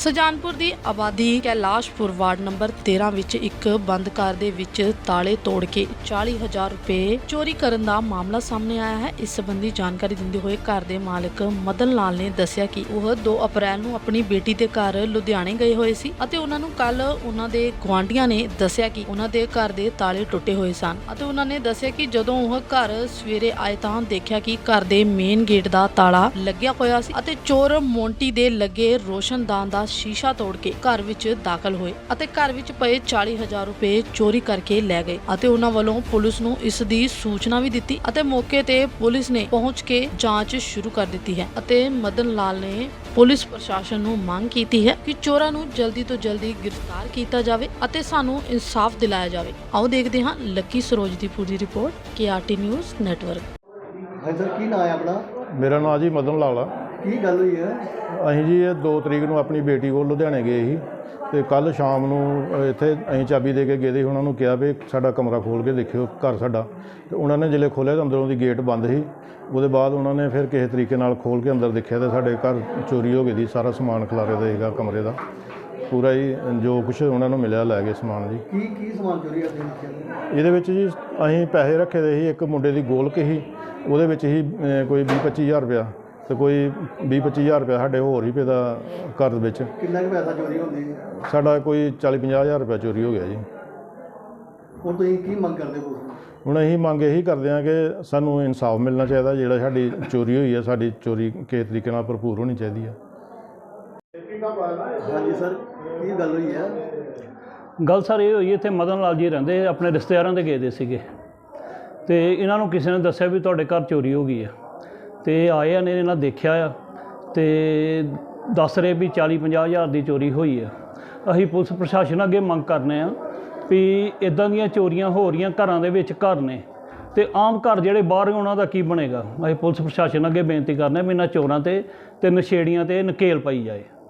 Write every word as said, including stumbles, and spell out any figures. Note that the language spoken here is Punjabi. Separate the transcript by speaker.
Speaker 1: ਸੁਜਾਨਪੁਰ ਦੀ ਆਬਾਦੀ ਕੈਲਾਸ਼ਪੁਰ ਵਾਰਡ ਨੰਬਰ ਤੇਰਾਂ ਵਿੱਚ ਇੱਕ ਬੰਦ ਕਾਰ ਦੇ ਵਿੱਚ ਤਾਲੇ ਤੋੜ ਕੇ ਚਾਲੀ ਹਜ਼ਾਰ ਰੁਪਏ ਚੋਰੀ ਕਰਨ ਦਾ ਮਾਮਲਾ ਸਾਹਮਣੇ ਆਇਆ ਹੈ। ਇਸ ਸੰਬੰਧੀ ਜਾਣਕਾਰੀ ਦਿੰਦੇ ਹੋਏ ਘਰ ਦੇ ਮਾਲਕ ਮਦਨ ਲਾਲ ਨੇ ਦੱਸਿਆ ਕਿ ਉਹ ਦੋ ਅਪ੍ਰੈਲ ਨੂੰ ਆਪਣੀ ਬੇਟੀ ਦੇ ਘਰ ਲੁਧਿਆਣੇ ਗਏ ਹੋਏ ਸੀ ਅਤੇ ਉਹਨਾਂ ਨੂੰ ਕੱਲ ਉਹਨਾਂ ਦੇ ਗੁਆਂਢੀਆਂ ਨੇ ਦੱਸਿਆ ਕਿ ਉਹਨਾਂ ਦੇ ਘਰ ਦੇ ਤਾਲੇ ਟੁੱਟੇ ਹੋਏ ਸਨ ਅਤੇ ਉਹਨਾਂ ਨੇ ਦੱਸਿਆ ਕਿ ਜਦੋਂ ਉਹ ਘਰ ਸਵੇਰੇ ਆਏ ਤਾਂ ਦੇਖਿਆ ਕਿ ਘਰ ਦੇ ਮੇਨ ਗੇਟ ਦਾ ਤਾਲਾ ਲੱਗਿਆ ਹੋਇਆ ਸੀ ਅਤੇ ਚੋਰ ਮੋਂਟੀ ਦੇ ਲੱਗੇ ਰੋਸ਼ਨਦਾਨ ਦਾ ਸ਼ੀਸ਼ਾ ਤੋੜ ਕੇ ਘਰ ਵਿੱਚ ਦਾਖਲ ਹੋਏ ਅਤੇ ਘਰ ਵਿੱਚ ਪਏ ਚਾਲੀ ਹਜ਼ਾਰ ਰੁਪਏ ਚੋਰੀ ਕਰਕੇ ਲੈ ਗਏ ਅਤੇ ਉਹਨਾਂ ਵੱਲੋਂ ਪੁਲਿਸ ਨੂੰ ਇਸ ਦੀ ਸੂਚਨਾ ਵੀ ਦਿੱਤੀ ਅਤੇ ਮੌਕੇ ਤੇ ਪੁਲਿਸ ਨੇ ਪਹੁੰਚ ਕੇ ਜਾਂਚ ਸ਼ੁਰੂ ਕਰ ਦਿੱਤੀ ਹੈ ਅਤੇ ਮਦਨ ਲਾਲ ਨੇ ਪੁਲਿਸ ਪ੍ਰਸ਼ਾਸਨ ਨੂੰ ਮੰਗ ਕੀਤੀ ਹੈ ਕਿ ਚੋਰਾਂ ਨੂੰ ਜਲਦੀ ਤੋਂ ਜਲਦੀ ਗ੍ਰਿਫਤਾਰ ਕੀਤਾ ਜਾਵੇ ਅਤੇ ਸਾਨੂੰ ਇਨਸਾਫ ਦਿਲਾਇਆ ਜਾਵੇ। ਆਓ ਦੇਖਦੇ ਹਾਂ ਲੱਕੀ ਸਰੋਜ ਦੀ ਪੂਰੀ report K R T news network.
Speaker 2: ਹਾਂ ਸਰ, ਕੀ ਨਾਮ ਹੈ ਆਪਣਾ?
Speaker 3: ਮੇਰਾ ਨਾਮ ਜੀ ਮਦਨ ਲਾਲ ਆ।
Speaker 2: ਕੀ ਗੱਲ ਹੋਈ ਹੈ?
Speaker 3: ਅਸੀਂ ਜੀ ਇਹ ਦੋ ਤਰੀਕ ਨੂੰ ਆਪਣੀ ਬੇਟੀ ਕੋਲ ਲੁਧਿਆਣੇ ਗਏ ਸੀ ਅਤੇ ਕੱਲ੍ਹ ਸ਼ਾਮ ਨੂੰ ਇੱਥੇ ਅਸੀਂ ਚਾਬੀ ਦੇ ਕੇ ਗਏ ਸੀ। ਉਹਨਾਂ ਨੂੰ ਕਿਹਾ ਵੀ ਸਾਡਾ ਕਮਰਾ ਖੋਲ੍ਹ ਕੇ ਦੇਖਿਓ ਘਰ ਸਾਡਾ, ਅਤੇ ਉਹਨਾਂ ਨੇ ਜਿਹੜੇ ਖੋਲ੍ਹਿਆ ਤਾਂ ਅੰਦਰੋਂ ਦੀ ਗੇਟ ਬੰਦ ਸੀ। ਉਹਦੇ ਬਾਅਦ ਉਹਨਾਂ ਨੇ ਫਿਰ ਕਿਸੇ ਤਰੀਕੇ ਨਾਲ ਖੋਲ੍ਹ ਕੇ ਅੰਦਰ ਦੇਖਿਆ ਤਾਂ ਸਾਡੇ ਘਰ ਚੋਰੀ ਹੋ ਗਈ ਸੀ। ਸਾਰਾ ਸਮਾਨ ਖਿਲਾਰੇ ਦਾ ਸੀਗਾ ਕਮਰੇ ਦਾ ਪੂਰਾ ਹੀ, ਜੋ ਕੁਛ ਉਹਨਾਂ ਨੂੰ ਮਿਲਿਆ ਲੈ ਗਏ ਸਮਾਨ ਜੀ।
Speaker 2: ਕੀ ਕੀ ਸਮਾਨ ਚੋਰੀ ਕਰਦੇ?
Speaker 3: ਇਹਦੇ ਵਿੱਚ ਜੀ ਅਸੀਂ ਪੈਸੇ ਰੱਖੇ ਦੇ ਸੀ। ਇੱਕ ਮੁੰਡੇ ਦੀ ਗੋਲਕ ਸੀ, ਉਹਦੇ ਵਿੱਚ ਹੀ ਕੋਈ ਵੀਹ ਪੱਚੀ ਹਜ਼ਾਰ ਰੁਪਇਆ ਅਤੇ ਕੋਈ ਵੀਹ ਪੱਚੀ ਹਜ਼ਾਰ ਰੁਪਇਆ ਸਾਡੇ ਹੋਰ ਹੀ ਪਏ ਦਾ ਘਰ ਦੇ ਵਿੱਚ।
Speaker 2: ਕਿੰਨਾ ਕੁ ਪੈਸਾ ਚੋਰੀ ਹੁੰਦੀ?
Speaker 3: ਸਾਡਾ ਕੋਈ ਚਾਲੀ ਪੰਜਾਹ ਹਜ਼ਾਰ ਰੁਪਇਆ ਚੋਰੀ ਹੋ ਗਿਆ ਜੀ।
Speaker 2: ਹੁਣ ਤੁਸੀਂ ਕੀ ਮੰਗ ਕਰਦੇ ਹੋ?
Speaker 3: ਹੁਣ ਅਸੀਂ ਮੰਗ ਇਹੀ ਕਰਦੇ ਹਾਂ ਕਿ ਸਾਨੂੰ ਇਨਸਾਫ ਮਿਲਣਾ ਚਾਹੀਦਾ। ਜਿਹੜਾ ਸਾਡੀ ਚੋਰੀ ਹੋਈ ਹੈ, ਸਾਡੀ ਚੋਰੀ ਕਿਸੇ ਤਰੀਕੇ ਨਾਲ ਭਰਪੂਰ ਹੋਣੀ ਚਾਹੀਦੀ ਹੈ।
Speaker 2: ਹਾਂਜੀ ਸਰ, ਕੀ ਗੱਲ ਹੋਈ ਹੈ?
Speaker 4: ਗੱਲ ਸਰ ਇਹ ਹੋਈ, ਇੱਥੇ ਮਦਨ ਲਾਲ ਜੀ ਰਹਿੰਦੇ, ਆਪਣੇ ਰਿਸ਼ਤੇਦਾਰਾਂ ਦੇ ਗਏ ਦੇ ਸੀਗੇ ਅਤੇ ਇਹਨਾਂ ਨੂੰ ਕਿਸੇ ਨੇ ਦੱਸਿਆ ਵੀ ਤੁਹਾਡੇ ਘਰ ਚੋਰੀ ਹੋ ਗਈ ਹੈ ਅਤੇ ਆਏ ਆ ਨੇ ਇਹਨਾਂ ਦੇਖਿਆ ਆ ਅਤੇ ਦੱਸ ਰਹੇ ਵੀ ਚਾਲੀ ਪੰਜਾਹ ਹਜ਼ਾਰ ਦੀ ਚੋਰੀ ਹੋਈ ਹੈ। ਅਸੀਂ ਪੁਲਿਸ ਪ੍ਰਸ਼ਾਸਨ ਅੱਗੇ ਮੰਗ ਕਰਨੇ ਆ ਵੀ ਇੱਦਾਂ ਦੀਆਂ ਚੋਰੀਆਂ ਹੋ ਰਹੀਆਂ ਘਰਾਂ ਦੇ ਵਿੱਚ ਘਰ ਨੇ ਅਤੇ ਆਮ ਘਰ ਜਿਹੜੇ ਬਾਹਰ ਉਹਨਾਂ ਦਾ ਕੀ ਬਣੇਗਾ। ਅਸੀਂ ਪੁਲਿਸ ਪ੍ਰਸ਼ਾਸਨ ਅੱਗੇ ਬੇਨਤੀ ਕਰਨੇ ਵੀ ਇਹਨਾਂ ਚੋਰਾਂ 'ਤੇ ਅਤੇ ਨਸ਼ੇੜੀਆਂ 'ਤੇ ਨਕੇਲ ਪਾਈ ਜਾਏ।